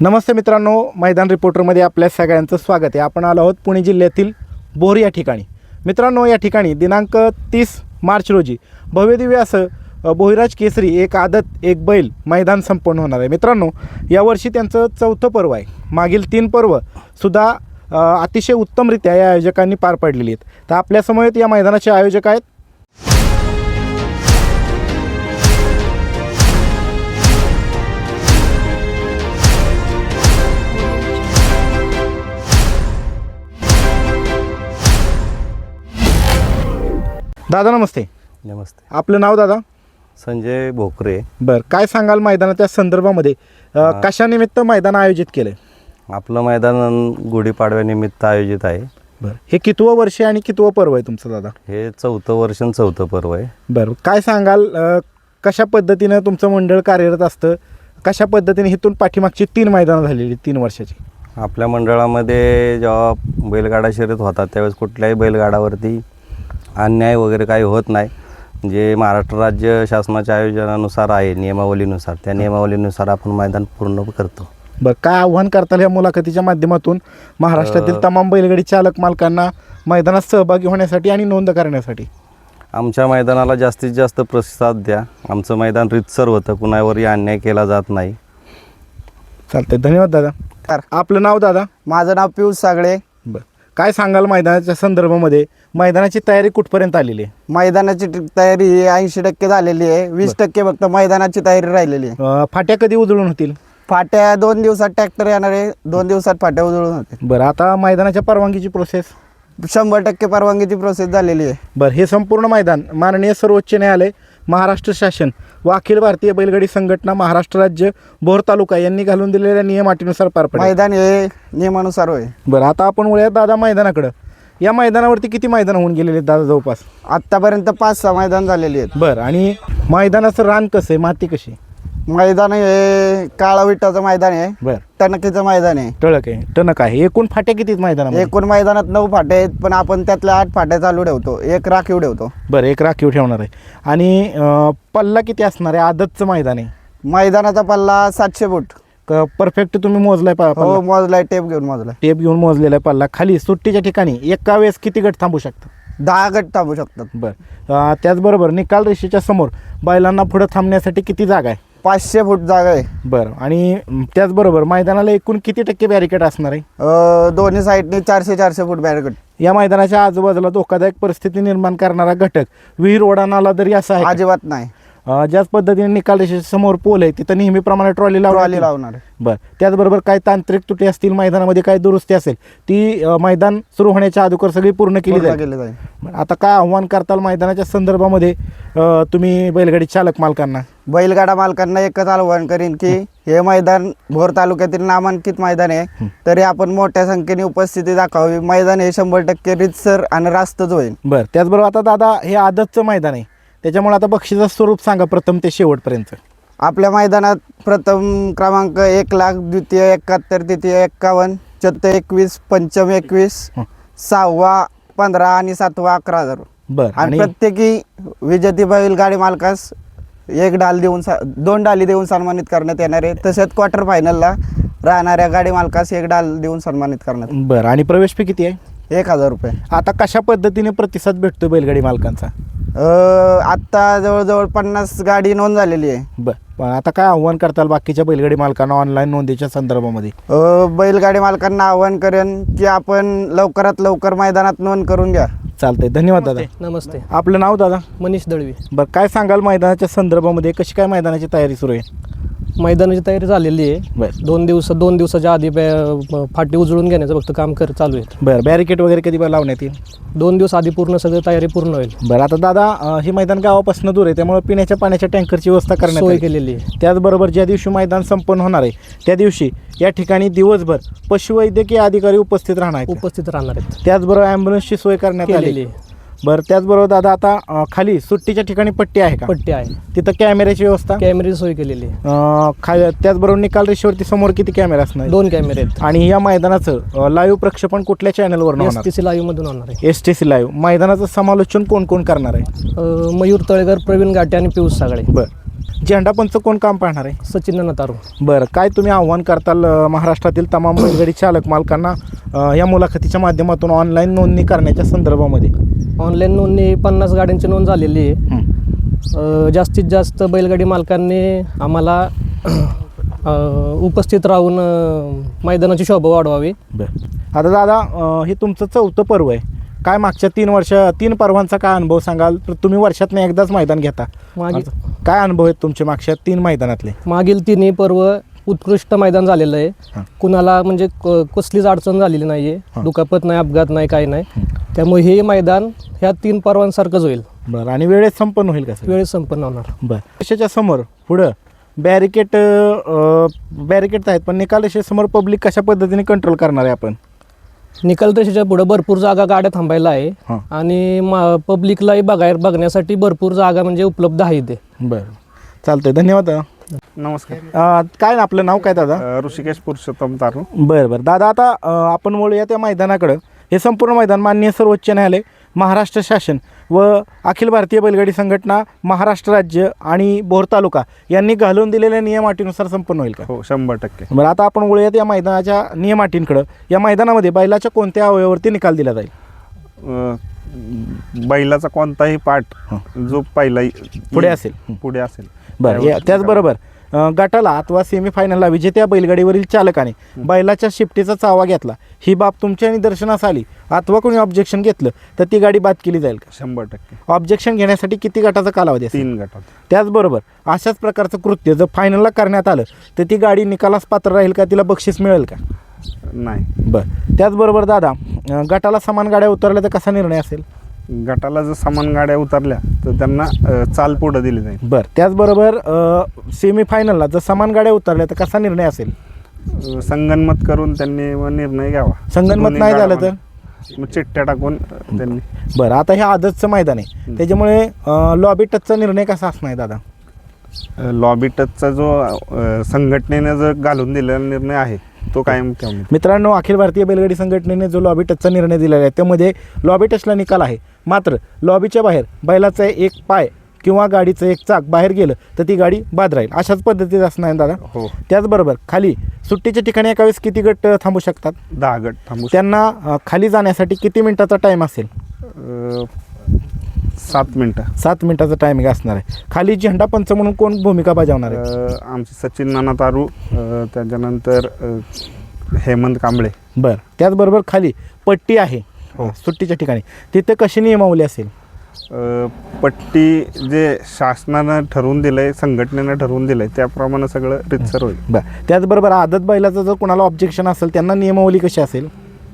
नमस्ते मित्रांनो, मैदान रिपोर्टरमध्ये आपल्या सगळ्यांचं स्वागत आहे. आपण आलो आहोत पुणे जिल्ह्यातील बोर या ठिकाणी. मित्रांनो, या ठिकाणी दिनांक 30 मार्च रोजी भव्यदिव्य असं बोहिराज केसरी एक आदत एक बैल मैदान संपन्न होणार आहे. मित्रांनो, यावर्षी त्यांचं 4थं पर्व आहे. मागील 3 पर्वसुद्धा अतिशय उत्तमरित्या या आयोजकांनी पार पाडलेली आहेत. तर आपल्यासमोर या मैदानाचे आयोजक आहेत दादा. नमस्ते. नमस्ते. आपलं नाव दादा? संजय भोकरे. बरं, काय सांगाल मैदानाच्या संदर्भामध्ये? कशानिमित्त मैदान आयोजित केलं? आपलं मैदान गुढीपाडव्यानिमित्त आयोजित आहे. बरं, हे कितवं वर्ष आणि कितवं पर्व आहे तुमचं दादा? हे 4थं वर्ष आणि 4थं पर्व आहे. बरं, काय सांगाल कशा पद्धतीनं तुमचं मंडळ कार्यरत असतं? कशा पद्धतीने इथून पाठीमागची 3 मैदानं झालेली 3 वर्षाची? आपल्या मंडळामध्ये जेव्हा बैलगाडा शर्यत होतात त्यावेळेस कुठल्याही बैलगाडावरती अन्याय वगैरे काही होत नाही. जे महाराष्ट्र राज्य शासनाच्या आयोजनानुसार आहे, नियमावलीनुसार, त्या नियमावलीनुसार आपण मैदान पूर्ण करतो. बरं, काय आव्हान करताल या मुलाखतीच्या माध्यमातून महाराष्ट्रातील तमाम बैलगाडी चालक मालकांना मैदानात सहभागी होण्यासाठी आणि नोंद करण्यासाठी? आमच्या मैदानाला जास्तीत जास्त प्रतिसाद द्या. आमचं मैदान रीतसर होतं, कुणावरही अन्याय केला जात नाही. चालतंय, धन्यवाद दादा. आपलं नाव दादा? माझं नाव पियुष सागळे. बरं, काय सांगाल मैदानाच्या संदर्भामध्ये? मैदानाची तयारी कुठपर्यंत आलेली आहे? मैदानाची तयारी ही 80% झालेली आहे. 20% फक्त मैदानाची तयारी राहिलेली आहे. फाट्या कधी उजळून होतील? फाट्या 2 दिवसात ट्रॅक्टर येणार आहे. 2 दिवसात फाट्या उजळून होते. बरं, आता मैदानाच्या परवानगीची प्रोसेस? 100% परवानगीची प्रोसेस झालेली आहे. बरं, हे संपूर्ण मैदान माननीय सर्वोच्च न्यायालय, महाराष्ट्र शासन व अखिल भारतीय बैलगाडी संघटना, महाराष्ट्र राज्य, भोर तालुका यांनी घालून दिलेल्या नियम अटीनुसार पार पडेल. मैदान हे नियमानुसार होय. बरं, आता आपण वळूया दादा मैदानाकडं. या मैदानावरती किती मैदान होऊन गेलेले आहेत दादा? जवळपास आत्तापर्यंत 5-6 मैदान झालेली आहेत. बरं, आणि मैदानाचं रान कसं आहे, माती कशी? मैदान हे काळा विटाचं मैदान आहे. बरं, टणकीचं मैदान आहे. टळक आहे, टणक आहे. एकूण फाट्या किती आहेत मैदानामध्ये? एकूण मैदानात 9 फाट्या आहेत, पण आपण त्यातल्या 8 फाट्या चालू ठेवतो, 1 राखीव ठेवतो. बरं, 1 राखीव ठेवणार आहे. आणि पल्ला किती असणार आहे? आदतचं मैदान आहे. मैदानाचा पल्ला 700 फूट. परफेक्ट तुम्ही मोजलाय? हो, मोजलाय, टेप घेऊन मोजलाय. टेप घेऊन मोजलेला आहे पल्ला. खाली सुट्टीच्या ठिकाणी एका वेळेस किती गट थांबू शकतात? 10 गट थांबू शकतात. बरं, त्याचबरोबर निकाल रेषेच्या समोर बैलांना पुढं थांबण्यासाठी किती जागा आहे? 500 फूट जागा आहे. बरं, आणि त्याचबरोबर मैदानाला एकूण किती टक्के बॅरिकेड असणार आहे? दोन्ही साईडने 400 फूट बॅरिकेड. या मैदानाच्या आजूबाजूला धोकादायक परिस्थिती निर्माण करणारा घटक विहीर, ओढा, नाला दरी असा आहे? अजिबात नाही. ज्याच पद्धतीने निकाल रेषेच्या समोर पोल आहे तिथं नेहमीप्रमाणे ट्रॉली लावणार. बरं, त्याचबरोबर काही तांत्रिक त्रुटी असतील, मैदानामध्ये काही दुरुस्ती असेल, ती मैदान सुरू होण्याच्या अगोदर सगळी पूर्ण केली जाईल. आता काय आव्हान करताल मैदानाच्या संदर्भामध्ये तुम्ही बैलगाडी चालक मालकांना? बैलगाडा मालकांना एकच आवाहन करीन की हे मैदान भोर तालुक्यातील नामांकित मैदान आहे, तरी आपण मोठ्या संख्येने उपस्थिती दाखवावी. मैदान हे 100% रीतसर आणि रास्तच होईल. बरं, त्याचबरोबर आता दादा हे आदतचं मैदान आहे, त्याच्यामुळे आता बक्षिसाचं स्वरूप सांगा प्रथम ते शेवटपर्यंत. आपल्या मैदानात प्रथम क्रमांक 1 लाख, द्वितीय 71, तृतीय 51, चतुर्थ 21, पंचम 21, 6वा 15 आणि 7वा 11,000. बरं, आणि प्रत्येकी विजेती बैलगाडी मालकास 1 डाल देऊन 2 डाली देऊन सन्मानित करण्यात येणार आहे. तसेच क्वार्टर फायनलला राहणाऱ्या गाडी मालकास 1 डाल देऊन सन्मानित करण्यात. बरं, आणि प्रवेश फी किती आहे? 1,000 रुपये. आता कशा पद्धतीने प्रतिसाद भेटतोय बैलगाडी मालकांचा? आत्ता जवळजवळ 50 गाडी नोंद झालेली आहे. बरं, पण आता काय आव्हान करताल बाकीच्या बैलगाडी मालकांना ऑनलाईन नोंदीच्या संदर्भामध्ये? बैलगाडी मालकांना आवाहन करेन की आपण लवकरात लवकर मैदानात नोंद करून घ्या. चालतंय, धन्यवाद दादा. नमस्ते. आपलं नाव दादा? मनीष दळवी. बरं, काय सांगाल मैदानाच्या संदर्भामध्ये कशी काय मैदानाची तयारी सुरू आहे? मैदानाची तयारी झालेली आहे. बरं 2 दिवसाच्या आधी फाटी उजळून घेण्याचं फक्त काम चालू आहे. बरं, बॅरिकेड वगैरे कधी लावण्यात येईल? 2 दिवस आधी पूर्ण सगळं तयारी पूर्ण होईल. बरं, आता दादा हे मैदान गावापासून दूर आहे, त्यामुळे पिण्याच्या पाण्याच्या टँकरची व्यवस्था करण्यात सोय आली. केलेली आहे. त्याचबरोबर ज्या दिवशी मैदान संपन्न होणार आहे त्या दिवशी या ठिकाणी दिवसभर पशुवैद्यकीय अधिकारी उपस्थित राहणार आहेत. उपस्थित राहणार आहेत. त्याचबरोबर ॲम्ब्युलन्सची सोय करण्यात आलेली केलेली आहे. बरं, त्याचबरोबर दादा आता खाली सुट्टीच्या ठिकाणी पट्टी आहे का? पट्टी आहे. तिथं कॅमेऱ्याची व्यवस्था? कॅमेऱ्याची सोय केलेली आहे. त्याचबरोबर निकाल रेषेवरती समोर किती कॅमेरा असणार? 2 कॅमेरे आहेत. आणि या मैदानाचं लाईव्ह प्रक्षेपण कुठल्या चॅनलवर होणार? STC लाईव्ह मधून होणार आहे. STC live. मैदानाचं समालोचन कोण कोण करणार आहे? मयूर तळेकर, प्रवीण गाटे आणि पियुष सागळे. बरं, झेंडापंच कोण काम पाहणार आहे? सचिन नतारू. बरं, काय तुम्ही आव्हान करताल महाराष्ट्रातील तमाम बैलगाडी चालक मालकांना या मुलाखतीच्या माध्यमातून ऑनलाईन नोंदणी करण्याच्या संदर्भामध्ये? ऑनलाईन नोंदणी 50 गाड्यांची नोंद झालेली आहे. जास्तीत जास्त बैलगाडी मालकांनी आम्हाला उपस्थित राहून मैदानाची शोभा वाढवावी. बरं, आता दादा हे तुमचं 4थं पर्व आहे. काय मागच्या 3 पर्वांचा काय अनुभव सांगाल? तर तुम्ही वर्षातनं एकदाच मैदान घेता, काय अनुभव आहेत तुमचे मागच्या 3 मैदानातले? मागील 3 पर्व उत्कृष्ट मैदान झालेलं आहे. कुणाला म्हणजे कसलीच अडचण झालेली नाही आहे, दुखापत नाही, अपघात नाही, काही नाही. त्यामुळे हे मैदान ह्या 3 पर्वांसारखंच होईल. बरं, आणि वेळेत संपन्न होईल का? वेळेत संपन्न होणार. बरं, रेषेच्या समोर पुढं बॅरिकेड आहेत, पण निकाल रेषेसमोर पब्लिक कशा पद्धतीने कंट्रोल करणार आहे आपण? निकाल रेषेच्या पुढे भरपूर जागा गाड्या थांबायला आहे आणि पब्लिकलाही बघण्यासाठी भरपूर जागा म्हणजे उपलब्ध आहे इथे. बरं, चालतंय, धन्यवाद दादा. नमस्कार. काय आपलं नाव काय दादा? ऋषिकेश पुरुषोत्तम तारू. बरं दादा, आता आपण वळूया त्या मैदानाकडं. हे संपूर्ण मैदान माननीय सर्वोच्च न्यायालय, महाराष्ट्र शासन व अखिल भारतीय बैलगाडी संघटना, महाराष्ट्र राज्य आणि भोर तालुका यांनी घालून दिलेल्या नियमाटीनुसार संपन्न होईल का? हो, 100%. बरं, आता आपण वळूयात या मैदानाच्या नियमाटींकडं. या मैदानामध्ये बैलाच्या कोणत्या अवयवावरती निकाल दिला जाईल? बैलाचा कोणताही पार्ट जो पहिला पुढे असेल. बरं, त्याचबरोबर गटाला अथवा सेमीफायनलला विजेत्या बैलगाडीवरील चालकाने बैलाच्या शिफ्टीचा चावा घेतला, ही बाब तुमच्या निदर्शनास आली अथवा कोणी ऑब्जेक्शन घेतलं तर ती गाडी बाद केली जाईल का? 100%. ऑब्जेक्शन घेण्यासाठी किती गटाचा कालावधी असेल? 3 गटात. त्याचबरोबर अशाच प्रकारचं कृत्य जर फायनलला करण्यात आलं तर ती गाडी निकालास पात्र राहील का? तिला बक्षीस मिळेल का? नाही. बरं, त्याचबरोबर दादा गटाला समान गाड्या उतरल्या तर कसा निर्णय असेल? गटाला जर समान गाड्या उतरल्या तर त्यांना चाल पुढं दिली जाईल. बरं, त्याचबरोबर सेमीफायनलला जर समान गाड्या उतरल्या तर कसा निर्णय असेल? संगनमत करून त्यांनी मग निर्णय घ्यावा. संगनमत नाही झालं तर मग चिठ्ठ्या टाकून त्यांनी. बरं, आता हे आदतचं मैदान आहे, त्याच्यामुळे लॉबी टचचा निर्णय कसा असणार दादा? लॉबी टचचा जो संघटनेने जो घालून दिलेला निर्णय आहे तो कायम ठेवणे. मित्रांनो, अखिल भारतीय बैलगाडी संघटनेने जो लॉबी टचचा निर्णय दिलेला आहे त्यामध्ये लॉबी टचला निकाल आहे, मात्र लॉबीच्या बाहेर बैलाचा एक पाय किंवा गाडीचं एक चाक बाहेर गेलं तर ती गाडी बाद राहील. अशाच पद्धतीत असणार आहे दादा. हो. त्याचबरोबर खाली सुट्टीच्या ठिकाणी एका वेळेस किती गट थांबू शकतात? 10 गट थांबू. त्यांना खाली जाण्यासाठी किती मिनिटाचा टाईम असेल? 7 मिनटं. 7 मिनिटाचा टायमिंग असणार आहे. खाली झेंडापंच म्हणून कोण भूमिका बजावणार आहे? आमचे सचिन नाना तारू, त्याच्यानंतर हेमंत कांबळे. बरं, त्याचबरोबर खाली पट्टी आहे सुट्टीच्या ठिकाणी, तिथे कशी नियमावली असेल? पट्टी जे शासनानं ठरवून दिलंय, संघटनेनं ठरवून दिलंय त्याप्रमाणे सगळं रितसर होईल. बरं, त्याचबरोबर आदत बैलाचं जर कोणाला ऑब्जेक्शन असेल त्यांना नियमावली कशी असेल?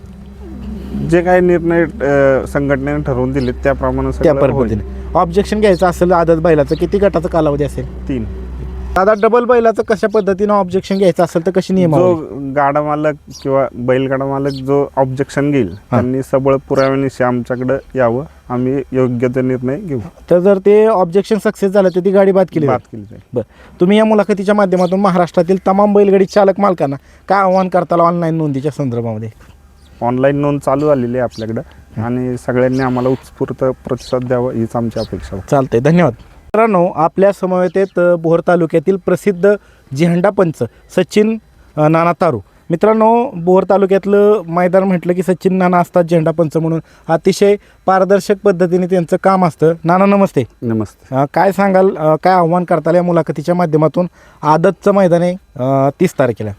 जे काही निर्णय संघटनेने ठरवून दिले त्याप्रमाणे त्या सगळं होईल. पद्धतीने ऑब्जेक्शन घ्यायचं असेल आदत बैलाचं किती गटाचा कालावधी असेल? 3. दादा, डबल बैलाचं कशा पद्धतीनं ऑब्जेक्शन घ्यायचं असेल तर कशी जो नियमावली? गाडा मालक किंवा बैलगाडा मालक जो ऑब्जेक्शन घेईल त्यांनी सबळ पुराव्यानिशी आमच्याकडे यावं, आम्ही योग्य ते निर्णय घेऊ. तर जर ते ऑब्जेक्शन सक्सेस झालं तर ती गाडी बाद केली जाईल. बरं, तुम्ही या मुलाखतीच्या माध्यमातून महाराष्ट्रातील तमाम बैलगाडी चालक मालकांना काय आव्हान करताल ऑनलाईन नोंदीच्या संदर्भामध्ये? ऑनलाईन नोंद चालू झालेली आहे आपल्याकडं आणि सगळ्यांनी आम्हाला उत्स्फूर्त प्रतिसाद द्यावा हीच आमची अपेक्षा. चालतंय, धन्यवाद. मित्रांनो, आपल्या समवेत भोर तालुक्यातील प्रसिद्ध झेंडापंच सचिन नाना तारू. मित्रांनो, भोर तालुक्यातलं मैदान म्हटलं की सचिन नाना असतात झेंडापंच म्हणून. अतिशय पारदर्शक पद्धतीने त्यांचं काम असतं. नाना, नमस्ते. नमस्ते. काय सांगाल, काय आव्हान करताल या मुलाखतीच्या माध्यमातून? आदतचं मैदान आहे 30 तारखेला.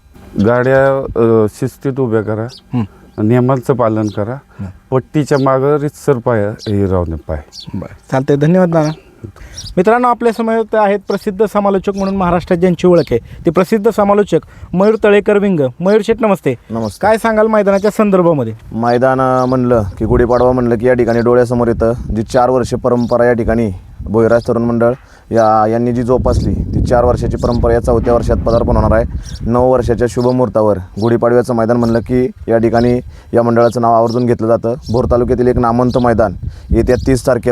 गाड्या शिस्तीत उभ्या करा, नियमांचं पालन करा, पट्टीच्या मागं रितसर पाय हे राहून पाय. बरं, चालतंय, धन्यवाद नाना. मित्रांनो, आपल्या समोर आहेत प्रसिद्ध समालोचक म्हणून महाराष्ट्रात ज्यांची ओळख आहे ते प्रसिद्ध समालोचक मयूर तळेकर विंग. मयूर शेठ, नमस्ते. नमस्ते. काय सांगाल मैदानाच्या संदर्भामध्ये? मैदान म्हणलं की गुढीपाडवा म्हणलं की या ठिकाणी डोळ्यासमोर येतं जी 4 वर्ष परंपरा या ठिकाणी भोईराज तरुण मंडळ यांनी जी जोपासली ती 4 वर्षाची परंपरा या 4थ्या वर्षात पदार्पण होणार आहे. 9 वर्षाच्या शुभमुहूर्तावर गुढीपाडव्याचं मैदान म्हणलं की या ठिकाणी या मंडळाचं नाव आवर्जून घेतलं जातं. भोर तालुक्यातील एक नामवंत मैदान येत्या 30 तारखेला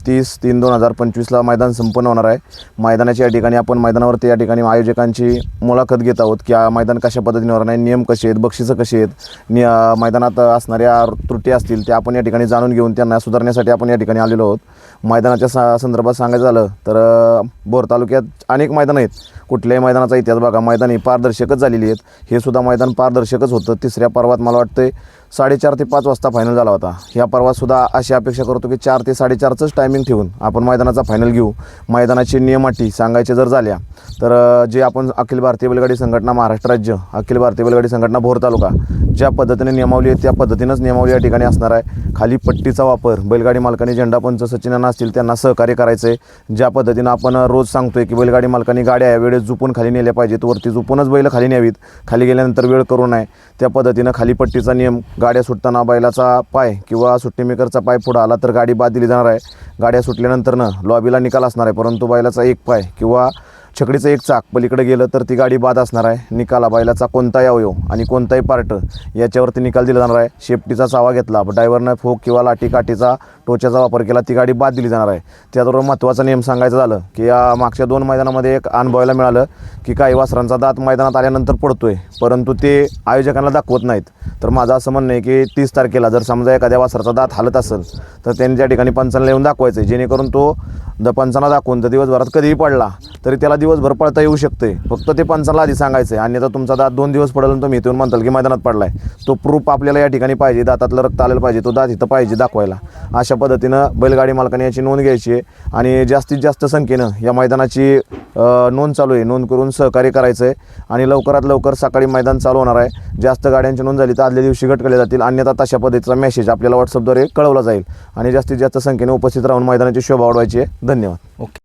30/3/2025ला मैदान संपन्न होणार आहे. मैदानाच्या या ठिकाणी आपण मैदानावरती या ठिकाणी आयोजकांची मुलाखत घेत आहोत की मैदान कशा पद्धतीने होणार आहे, नियम कसे आहेत, बक्षिसं कशी आहेत, मैदानात असणाऱ्या त्रुटी असतील त्या आपण या ठिकाणी जाणून घेऊन त्यांना सुधारण्यासाठी आपण या ठिकाणी आलेलो आहोत. मैदानाच्या संदर्भात सांगायचं झालं तर भोर तालुक्यात अनेक मैदानं आहेत. कुठल्याही मैदानाचा इतिहास बघा, मैदान ही पारदर्शकच झालेली आहेत. हे सुद्धा मैदान पारदर्शकच होतं. तिसऱ्या पर्वात मला वाटतं 4:30 ते 5 वाजता फायनल झाला होता. ह्या पर्वातसुद्धा अशी अपेक्षा करतो की 4 ते 4:30च टायमिंग ठेवून आपण मैदानाचा फायनल घेऊ. मैदानाची नियम अटी सांगायचे जर झाल्या तर जे आपण अखिल भारतीय बैलगाडी संघटना महाराष्ट्र राज्य, अखिल भारतीय बैलगाडी संघटना भोर तालुका ज्या पद्धतीने नियमावली आहे त्या पद्धतीनंच नियमावली या ठिकाणी असणार आहे. खाली पट्टीचा वापर बैलगाडी मालकांनी, झेंडापंच सचिनांना असतील त्यांना सहकार्य करायचं आहे. ज्या पद्धतीनं आपण रोज सांगतोय की बैलगाडी मालकांनी गाड्या वेळेत झुपून खाली नेल्या पाहिजेत, वरती झुपूनच बैल खाली न्यावीत, खाली गेल्यानंतर वेळ करू नये. त्या पद्धतीनं खाली पट्टीचा नियम, गाड्या सुटताना बैलाचा पाय किंवा सुट्टी मेकरचा पाय पुढं आला तर गाडी बाद दिली जाणार आहे. गाड्या सुटल्यानंतरनं लॉबीला निकाल असणार आहे, परंतु बैलाचा एक पाय किंवा छकडीचं एक चाक पलीकडे गेलं तर ती गाडी बाद असणार आहे. निकाला बैलाचा कोणताही अवयव आणि कोणताही पार्ट याच्यावरती निकाल दिला जाणार आहे. शेपटीचा चावा घेतला, ड्रायव्हरनं फोक किंवा लाठी काठीचा टोचाचा वापर केला, ती गाडी बाद दिली जाणार आहे. त्याचबरोबर महत्त्वाचा नियम सांगायचं झालं की या मागच्या 2 मैदानामध्ये एक अनुभवायला मिळालं की काही वासरांचा दात मैदानात आल्यानंतर पडतोय, परंतु ते आयोजकांना दाखवत नाहीत. तर माझं असं म्हणणं आहे की 30 तारखेला जर समजा एखाद्या वासराचा दात हालत असेल तर त्यांनी त्या ठिकाणी पंचांना येऊन दाखवायचं आहे, जेणेकरून तो पंचांना दाखवून तर दिवसभरात कधीही पडला तरी त्याला दिवसभर पळता येऊ शकते. फक्त ते पंचांना आधी सांगायचं आहे. अन्यथा तुमचा दात 2 दिवस पडेल आणि तुम्ही इथून म्हणताल की मैदानात पडलाय, तो प्रूफ आपल्याला या ठिकाणी पाहिजे, दातातलं रक्त आलेलं पाहिजे, तो दात इथं पाहिजे दाखवायला. अशा पद्धतीनं बैलगाडी मालकाने याची नोंद घ्यायची आहे आणि जास्तीत जास्त संख्येनं या मैदानाची नोंद चालू आहे, नोंद करून सहकार्य करायचं आहे. आणि लवकरात लवकर सकाळी मैदान चालू होणार आहे. जास्त गाड्यांची नोंद झाली तर आदल्या दिवशी गट केले जातील, अन्यथा तशा पद्धतीचा मेसेज आपल्याला व्हॉट्सअपद्वारे कळवला जाईल आणि जास्तीत जास्त संख्येने उपस्थित राहून मैदानाची शोभा वाढवायची आहे. धन्यवाद. ओके.